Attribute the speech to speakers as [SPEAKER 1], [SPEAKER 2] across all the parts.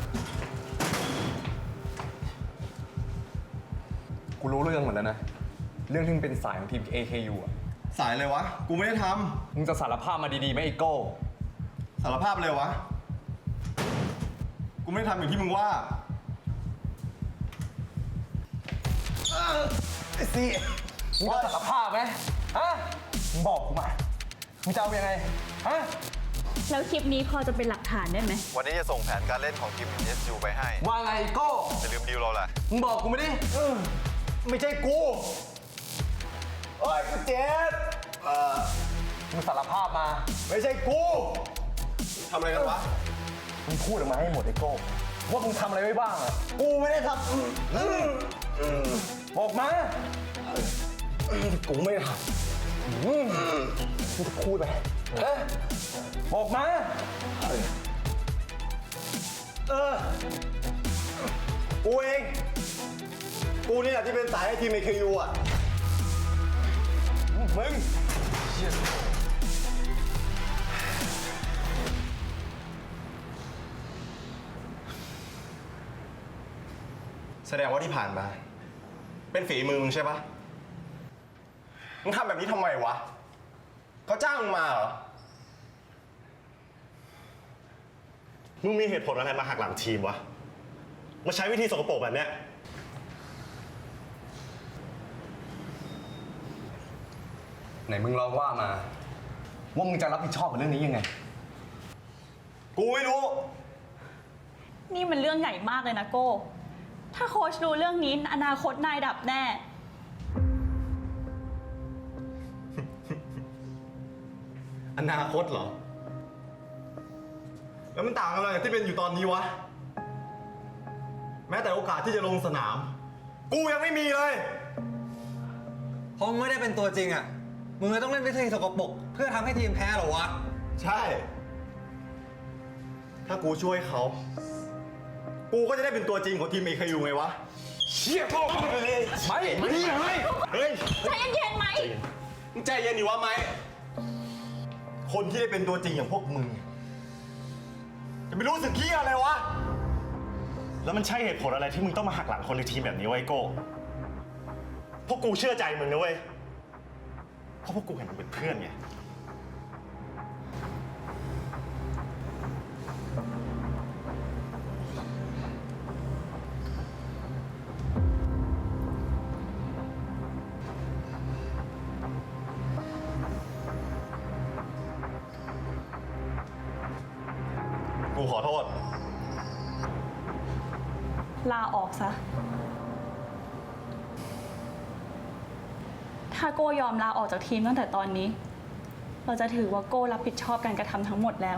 [SPEAKER 1] กูรู้เรื่องหมดแล้วนะ เรื่องที่มึงเป็นสายของทีม AKU อ่ะ
[SPEAKER 2] สายเลยวะ กูไม่ได้ท
[SPEAKER 1] มึงจะสารภาพมาดีๆไหมไอโก้
[SPEAKER 2] ำสารภาพเลยวะ กูไม่ได้ทำอย่างที่มึงว่า
[SPEAKER 1] ไอ้ซี่มึงจะสารภาพไหมฮะมึงบอกกูมา มึงจะเอายังไง ฮะ
[SPEAKER 3] แล้วคลิปนี้พอจะเป็นหลักฐานได้ไหม
[SPEAKER 2] วันนี้จะส่งแผนการเล่นของทีม SU ไปให้
[SPEAKER 1] ว่าไงไอโก้
[SPEAKER 2] จะลืมดีลเราแหละ
[SPEAKER 1] มึงบอกกูไม่ดิไม่ใช่กูโอ้ยกูเจ็บมึงสารภาพมา ไม่ใช่กู
[SPEAKER 2] ทำอะไรกันวะ
[SPEAKER 1] มึงพูดออกมาให้หมดไอโก้ว่ามึงทำอะไรไว้บ้างอะกูไม่ได้ทำบอกมากูไม่ได้ทำมึงจะพูดไปบอกมา
[SPEAKER 2] กูเอง กูนี่แหละที่เป็นสายให้ทีม AKU อ่ะ
[SPEAKER 1] มึง
[SPEAKER 2] แสดงว่าที่ผ่านมา เป็นฝีมือมึงใช่ปะมึงทำแบบนี้ทำไมวะเขาจ้างมึงมาเหรอ
[SPEAKER 4] มึงมีเหตุผลอะไรมาหักหลังทีมวะ มาใช้วิธีสกปรกแบบเนี้ย
[SPEAKER 1] ไหนมึงลองว่ามา ว่ามึงจะรับผิดชอบกับเรื่องนี้ยังไง
[SPEAKER 2] กูไม่รู้
[SPEAKER 3] นี่มันเรื่องใหญ่มากเลยนะโก้ ถ้าโค้ชรู้เรื่องนี้อนาคตนายดับแน่
[SPEAKER 2] อนาคตเหรอ แล้วมันต่างกันอะไรกับที่เป็นอยู่ตอนนี้วะ แม้แต่โอกาสที่จะลงสนาม กูยังไม่มีเลย
[SPEAKER 5] เพราะมึงไม่ได้เป็นตัวจริงอ่ะ มึงเลยต้องเล่นวิธีสกปรกเพื่อทำให้ทีมแพ้เหรอวะ
[SPEAKER 2] ใช่ ถ้ากูช่วยเขา กูก็จะได้เป็นตัวจริงของทีม AKU ไงวะ
[SPEAKER 1] เชี่ยพ่อไม่
[SPEAKER 2] เฮ้ย
[SPEAKER 3] ใจเย็นๆไหม
[SPEAKER 2] มึงใจเย็นดิวะไหม คนที่ได้เป็นตัวจริงอย่างพวกมึง จะไม่รู้สึกเหี้ยอะไรวะ
[SPEAKER 4] แล้วมันใช่เหตุผลอะไรที่มึงต้องมาหักหลังคนในทีมแบบนี้ไวะไอ้โก้พวกกูเชื่อใจมึงนะเว้ย เพราะพวกกูเห็นมึงเป็นเพื่อนไง
[SPEAKER 2] กูขอโทษ
[SPEAKER 3] ลาออกซะ ถ้าโก้ยอมลาออกจากทีมตั้งแต่ตอนนี้ เราจะถือว่าโก้รับผิดชอบการกระทำทั้งหมดแล้ว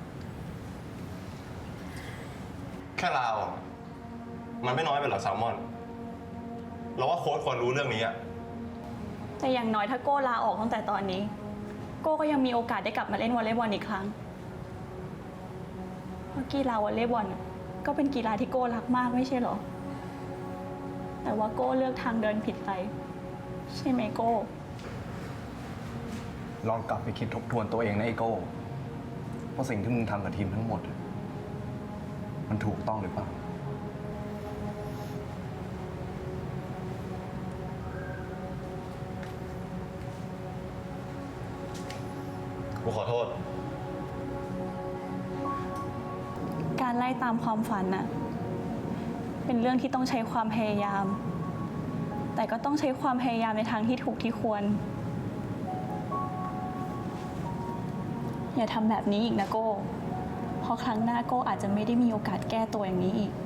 [SPEAKER 2] แค่ลาออกมันไม่น้อยไปหรอแซลมอน เราว่าโค้ชควรรู้เรื่องนี้อะ
[SPEAKER 3] แต่อย่างน้อยถ้าโก้ลาออกตั้งแต่ตอนนี้ โก้ก็ยังมีโอกาสได้กลับมาเล่นวอลเลย์บอลอีกครั้ง เพราะกีฬาวอลเลย์บอลก็เป็นกีฬาที่โก้รักมากไม่ใช่เหรอ แต่ว่าโก้เลือกทางเดินผิดไป ใช่ไหมโก้
[SPEAKER 1] ลองกลับไปคิดทบทวนตัวเองนะไอโก้ว่าสิ่งที่มึงทำกับทีมทั้งหมด มันถูกต้องหรือเปล่า
[SPEAKER 2] กูขอโทษ
[SPEAKER 3] การไล่ตามความฝันน่ะ เป็นเรื่องที่ต้องใช้ความพยายาม แต่ก็ต้องใช้ความพยายามในทางที่ถูกที่ควร อย่าทำแบบนี้อีกนะโก้ เพราะครั้งหน้าโก้อาจจะไม่ได้มีโอกาสแก้ตัวอย่างนี้อีก